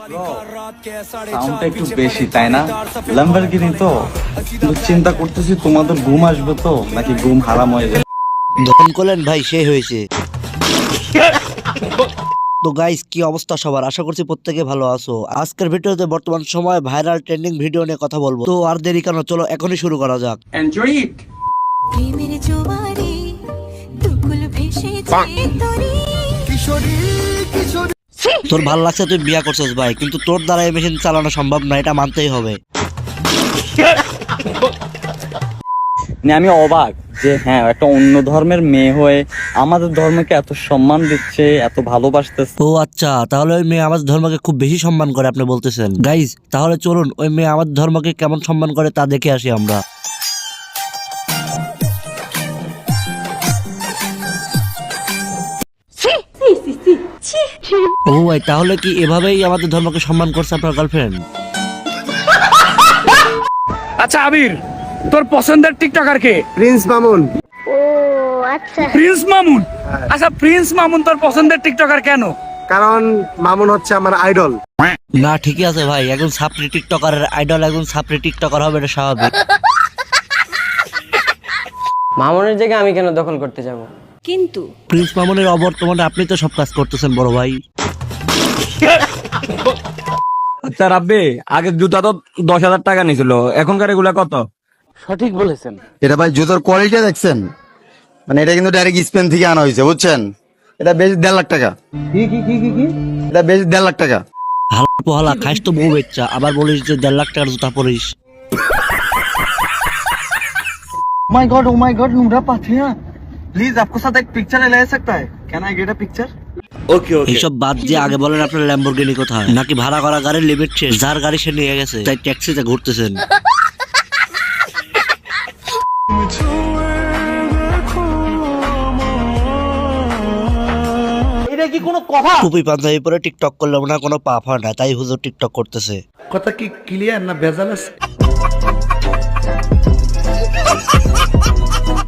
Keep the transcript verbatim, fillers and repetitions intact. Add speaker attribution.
Speaker 1: সাউন্ডটা একটু বেশি তাই না? ল্যাম্বরগিনি তো, কিন্তু চিন্তা করতেছি তোমাদের ঘুম আসবে তো নাকি ঘুম হারাম হয়ে যাবে।
Speaker 2: যখন করলেন ভাই সেই হয়েছে। তো গাইস, কি অবস্থা সবার? আশা করছি প্রত্যেকে ভালো আছো। আজকের ভিডিওতে বর্তমান সময় ভাইরাল ট্রেন্ডিং ভিডিও নিয়ে কথা বলবো। তো আর দেরি কেন, চলো এখনই শুরু করা যাক।
Speaker 1: Enjoy it.
Speaker 3: প্রেমের জোয়ারে দুকুল ভেসে যায় তরি কিশোরী কিশোরী।
Speaker 2: তোর ভাল লাগছে তুই বিয়া করছিস ভাই, কিন্তু তোর দ্বারা এই মেশিন চালানো সম্ভব না, এটা মানতেই হবে।
Speaker 1: মানে আমি অবাক যে হ্যাঁ একটা অন্য ধর্মের মেয়ে হয়ে আমাদের ধর্মকে এত সম্মান দিচ্ছে, এত ভালোবাসতেছে।
Speaker 2: ও আচ্ছা, তাহলে ওই মেয়ে আমাদের ধর্মকে খুব বেশি সম্মান করে আপনি বলতেছেন। গাইজ, তাহলে চলুন ওই মেয়ে আমাদের ধর্মকে কেমন সম্মান করে তা দেখে আসি আমরা। ও ভাই, তাহলে কি এভাবেই আমাদের ধর্মকে সম্মান করছে আপনার গার্লফ্রেন্ড?
Speaker 4: আচ্ছা আবির, তোর পছন্দের টিকটকার কে?
Speaker 5: প্রিন্স মামুন।
Speaker 6: ও আচ্ছা,
Speaker 4: প্রিন্স মামুন। আচ্ছা প্রিন্স মামুন তোর পছন্দের টিকটকার কেন?
Speaker 5: কারণ মামুন হচ্ছে আমার আইডল।
Speaker 2: না ঠিকই আছে ভাই, একজন ছাপড়ি টিকটকারের আইডল একজন ছাপড়ি টিকটকার হবে, এটা স্বাভাবিক।
Speaker 7: মামুনের জায়গায় আমি কেন দখল করতে যাব?
Speaker 3: কিন্তু
Speaker 2: প্রিন্স মামুনের অবর্তমানে আপনি তো সব কাজ করতেছেন বড় ভাই।
Speaker 8: আচ্ছা রাব্বি, আগে জুতা তো দশ হাজার টাকা নিছিল, এখনকার এগুলা কত?
Speaker 7: সঠিক বলেছেন।
Speaker 9: এটা ভাই জুতোর কোয়ালিটি দেখছেন? মানে এটা কিন্তু ডাইরেক্ট স্পেন থেকে আনা হয়েছে, বুঝছেন? এটা বেশ দেড় লাখ টাকা। কি কি কি কি কি এটা বেশ দেড় লাখ টাকা।
Speaker 2: হালা পোহালা খাইস তো বউ বেচ্চা, আবার বলিস যে দেড় লাখ টাকার জুতা পরিস।
Speaker 5: My god, oh my god, Numra पाथिया, प्लीज आपको साथ एक पिक्चर ले सकता है? Can I get a picture?
Speaker 2: এইসব বাদ দিয়ে আগে বলেন আপনার ল্যাম্বরগিনি কোথায়? নাকি ভাড়া করা গাড়ির লিমিট শেষ, যার গাড়ি সে নিয়ে গেছে, তাই ট্যাক্সিতে ঘুরতেছেন।
Speaker 5: এটা কি কোনো কথা?
Speaker 2: টুপি পাঞ্জাবি পরে টিকটক করলে না কোনো পাপ হয় না, তাই হুজুর টিকটক করতেছে।
Speaker 5: কথা কি ক্লিয়ার না ভেজাল আছে?